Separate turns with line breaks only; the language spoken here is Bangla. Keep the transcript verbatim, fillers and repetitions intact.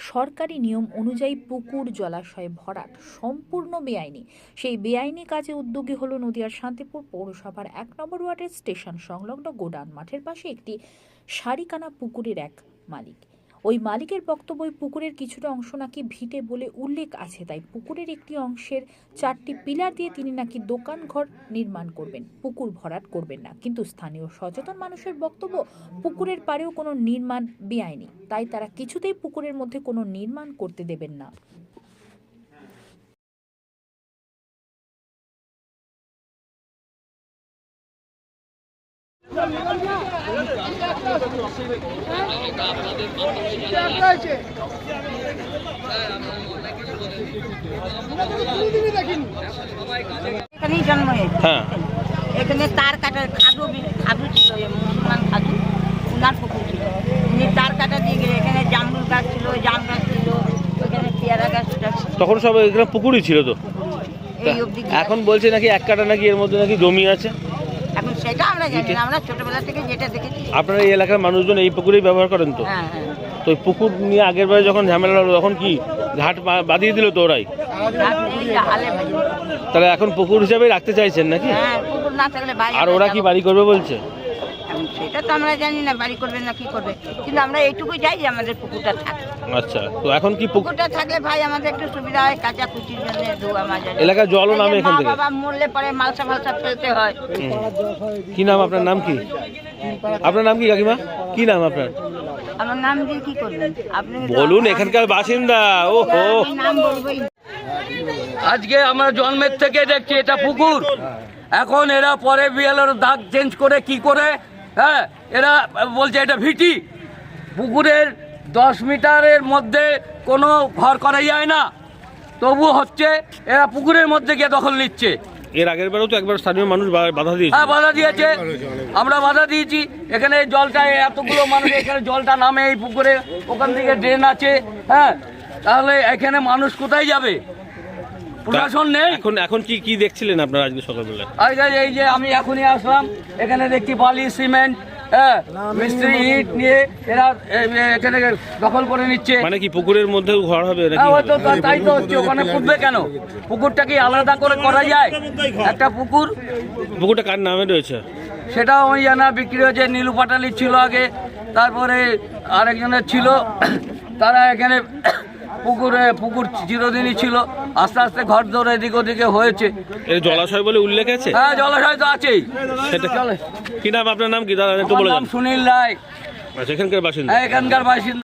সরকারি নিয়ম অনুযায়ী পুকুর জলাশয়ে ভরাট সম্পূর্ণ বেআইনি। সেই বেআইনি কাজে উদ্যোগী হলো নদিয়ার শান্তিপুর পৌরসভার এক নম্বর ওয়ার্ডের স্টেশন সংলগ্ন গোডাউন মাঠের পাশে একটি সারিকানা পুকুরের এক মালিক। ওই মালিকের বক্তব্য, পুকুরের কিছুটা অংশ নাকি ভিটে বলে উল্লেখ আছে, তাই পুকুরের একটি অংশের চারটি পিলার দিয়ে তিনি নাকি দোকান ঘর নির্মাণ করবেন, পুকুর ভরাট করবেন না। কিন্তু স্থানীয় সচেতন মানুষের বক্তব্য, পুকুরের পাড়েও কোনো নির্মাণ বেআইনি, তাই তারা কিছুতেই পুকুরের মধ্যে কোনো নির্মাণ করতে দেবেন না।
এখানেই জন্ম হয়েছে।
হ্যাঁ,
এখানে তার কাটার খাদু খাদু ছিল, মুসলমান খাদু, উনার পুকুর ছিল। উনি তার কাটা দিয়ে গেলে এখানে জামরুল গাছ ছিল, জাম গাছ ছিল, ওখানে পেয়ারা গাছ ছিল।
তখন সব এখানে পুকুরই ছিল তো।
এই অবধি
এখন বলছে নাকি এক কাটা নাকি এর মধ্যে নাকি জমি আছে।
এখন সেটা আমরা জানি না, আমরা ছোটবেলা থেকে যেটা দেখেছি।
আপনারা এই এলাকার মানুষজন এই পুকুরেই ব্যবহার করেন তো?
হ্যাঁ হ্যাঁ।
তো এই পুকুর নিয়ে আগের বারে যখন ঝামেলা হলো তখন কি ঘাট বা- বাঁধিয়ে দিল তো ওরাই?
এই যে হালে ভাই।
তাহলে এখন পুকুর হিসাবে রাখতে চাইছেন নাকি?
হ্যাঁ, পুকুর না থাকলে ভাই।
আর ওরা কি বাড়ি করবে বলছে?
এখন সেটা তো আমরা জানি না বাড়ি করবে না কি করবে, কিন্তু আমরা এইটুকুই চাই যে আমাদের পুকুরটা থাকে।
আচ্ছা, তো এখন কি পুকুর
পুকুরটা থাকলে ভাই আমাদের একটু সুবিধা হয়, কাঁচা কুচির জন্য ধোয়া মাজা।
এলাকার জলও নামে এখান থেকে?
বাবা মরলে পরে মালসা মালসা ফেলতে হয়।
হুম। কি নাম আপনার? নাম কি আপনার? নাম কি কাকিমা? কি নাম আপনার?
আমার নাম দিয়ে কি করবেন আপনি?
বলুন, এখানকার বাসিন্দা। ও হো,
আমি নাম বলবোই না।
আজকে আমরা জন্মের থেকে দেখছি এটা পুকুর। এখন এরা পরে বিএলওর দাগ চেঞ্জ করে কি করে, হ্যাঁ, এরা বলছে এটা ভিটি। পুকুরের দশ মিটারের মধ্যে কোনো ঘর করা যায় না, তবু হচ্ছে এরা পুকুরের মধ্যে গিয়ে দখল নিচ্ছে।
এর আগের বারেও তো একবার স্থানীয় মানুষ বা- বাধা দিয়েছে।
হ্যাঁ, বাধা দিয়েছে, আমরা বাধা দিয়েছি। এখানে জলটা এতগুলো মানুষ, এখানে জলটা নামে এই পুকুরে, ওখান থেকে ড্রেন আছে, হ্যাঁ, তাহলে এখানে মানুষ কোথায় যাবে? প্রশাসন নেই।
এখন এখন কি কি দেখছিলেন আপনারা আজকে সকালবেলা?
আজকে এই যে আমি এখনই আসলাম, এখানে দেখছি বালি সিমেন্ট, হ্যাঁ, মিস্ত্রি ইট নিয়ে এরা এ, এ, এখানে দখল করে নিচ্ছে।
মানে কি পুকুরের মধ্যেও ঘর হবে নাকি?
হ্যাঁ, হয়তো তা- তাই তো হচ্ছে। ওখানে পুঁতবে কেন? পুকুরটা কি আলাদা করে করা যায়? একটা পুকুর,
পুকুরটা কার নামে রয়েছে?
সেটাও আমি জানা। বিক্রি হয়েছে, নীলু পাটালির ছিল আগে, তারপরে আরেকজনের ছিল। তারা এখানে পুকুরে পুকুর চিরদিনই ছিল, আস্তে আস্তে ঘর দৌড় এদিক ওদিকে হয়েছে।
এর জলাশয় বলে উল্লেখ আছে?
হ্যাঁ, জলাশয় তো আছেই।
সেটা
চলে।
কি নাম? আপনার নাম কি দাদা একটু
আমার
বলে
নাম
যান।
সুনীল রায়,
আচ্ছা, এখানকার বাসিন্দা।
এখানকার বাসিন্দা।